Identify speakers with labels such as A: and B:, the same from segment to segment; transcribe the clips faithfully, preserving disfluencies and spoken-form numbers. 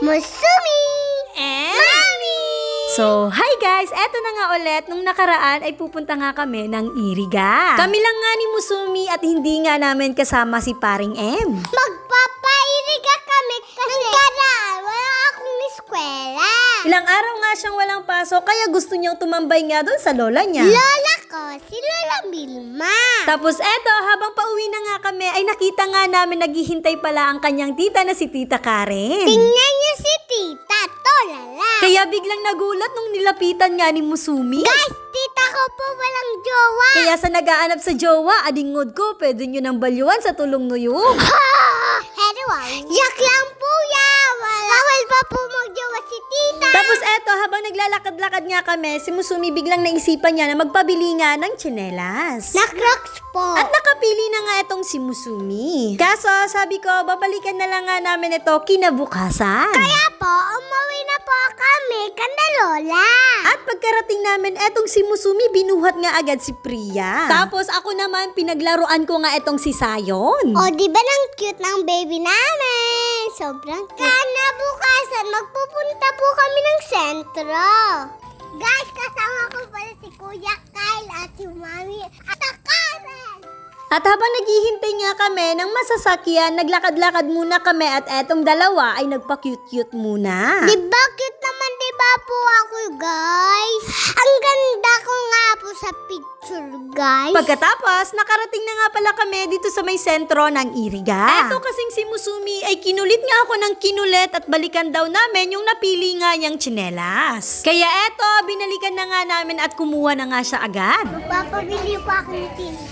A: Musumi!
B: And
A: Mami!
B: So, hi guys! Eto na nga ulit, nung nakaraan ay pupunta nga kami ng Iriga. Kami lang nga ni Musumi at hindi nga namin kasama si Paring M.
A: Magpapairiga kami kasi nakaraan wala akong eskwela.
B: Ilang araw nga siyang walang pasok kaya gusto niyang tumambay nga doon sa lola niya.
A: Lola ko, si Lola Vilma.
B: Tapos eto, habang pauwi na nga kami ay nakita nga namin naghihintay pala ang kanyang tita na si Tita Karen.
A: Tingnan niyo si Tita, tolala.
B: Kaya biglang nagulat nung nilapitan nga ni Musumi.
A: Guys, tita ko po walang jowa.
B: Kaya sa nagaanap sa jowa, adingod ko, pwede nyo nang balyuan sa tulong nuyong.
A: Hello, yak lang po ya. Bawal pa po magjowa si tita.
B: Tapos eto, habang naglalakad-lakad nga kami, si Musumi biglang naisipan niya na magpabili nga ng tsinelas.
A: Na Crocs po.
B: At nakapili na nga itong si Musumi. Kaso, sabi ko, babalikan na lang nga namin ito kinabukasan.
A: Kaya po, umuwi na po kami kanda Lola.
B: At pagkarating namin, etong si Musumi, binuhat nga agad si Priya. Tapos ako naman, pinaglaruan ko nga etong si Sayon.
A: O, di ba nang cute ng baby namin? Sobrang cute. Kanabukasan, magpupunta po kami ng sentro. Guys, kasama ko pala si Kuya Kyle at si Mami at si Karen.
B: At habang naghihintay nga kami ng masasakyan, naglakad-lakad muna kami at etong dalawa ay nagpa-cute-cute muna.
A: Di ba cute naman, di ba po ako, guys? Ang ganda ko nga po sa picture, guys.
B: Pagkatapos, nakarating na nga pala kami dito sa may sentro ng Iriga. Eto kasing si Musumi ay kinulit nga ako ng kinulit at balikan daw namin yung napili nga niyang tsinelas. Kaya eto, binalikan na nga namin at kumuha na nga siya agad.
A: Magpapabili pa ako ng tinela.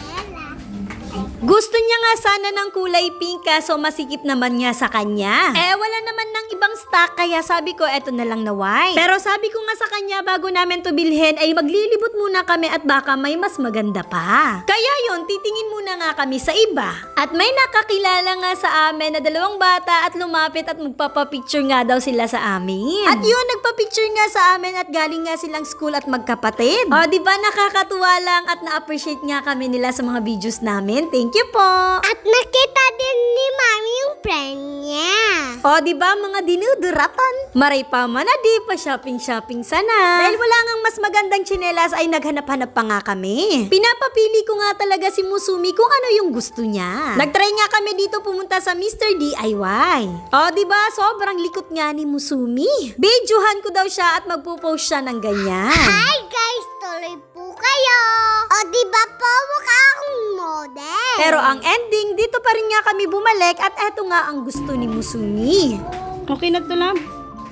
B: Gusto niya nga sana ng kulay pink kaso masikip naman niya sa kanya. Eh wala naman ng ibang stock kaya sabi ko eto na lang na white. Pero sabi ko nga sa kanya bago namin to bilhin ay maglilibot muna kami at baka may mas maganda pa. Kaya yon titingin muna nga kami sa iba. At may nakakilala nga sa amin na dalawang bata at lumapit at magpapapicture nga daw sila sa amin. At yun nagpapicture nga sa amin at galing nga silang school at magkapatid. O di ba nakakatuwa lang at na-appreciate nga kami nila sa mga videos namin. Thank you po!
A: At nakita din ni Mami yung friend niya.
B: O, di ba mga dinuduratan? Maray pa man na di pa shopping-shopping sana. Dahil wala ngang mas magandang tsinelas ay naghanap-hanap pa nga kami. Pinapapili ko nga talaga si Musumi kung ano yung gusto niya. Nagtry nga kami dito pumunta sa mister D I Y. O, di ba sobrang likot nga ni Musumi. Videohan ko daw siya at magpo-post siya ng ganyan.
A: Hi guys, tuloy po kayo. O di ba po mukha akong model?
B: Pero ang ending, dito pa rin nga kami bumalik at eto nga ang gusto ni Musumi. Okay na to lang.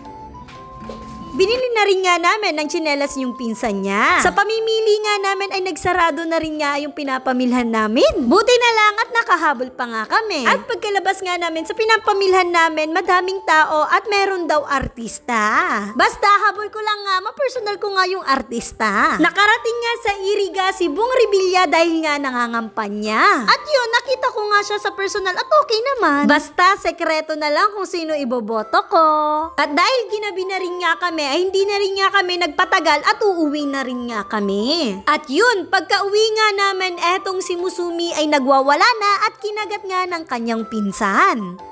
B: Binili na rin nga namin ng tsinelas yung pinsan niya. Sa pamimili nga namin ay nagsarado na rin nga yung pinapamilhan namin. Buti na lang at nakahabol pa nga kami. At pagkalabas nga namin sa pinapamilhan namin, madaming tao at meron daw artista. Basta habol ko lang nga, mapersonal ko nga yung artista. Nakarating nga sa Iriga si Bong Revilla dahil nga nangangampanya. At yun, nakita ko nga siya sa personal at okay naman. Basta sekreto na lang kung sino iboboto ko. At dahil ginabi na rin nga kami, ay hindi na rin nga kami nagpatagal at uuwi na rin nga kami. At yun, pagka uwi nga namin, etong si Musumi ay nagwawala na at kinagat nga ng kanyang pinsan.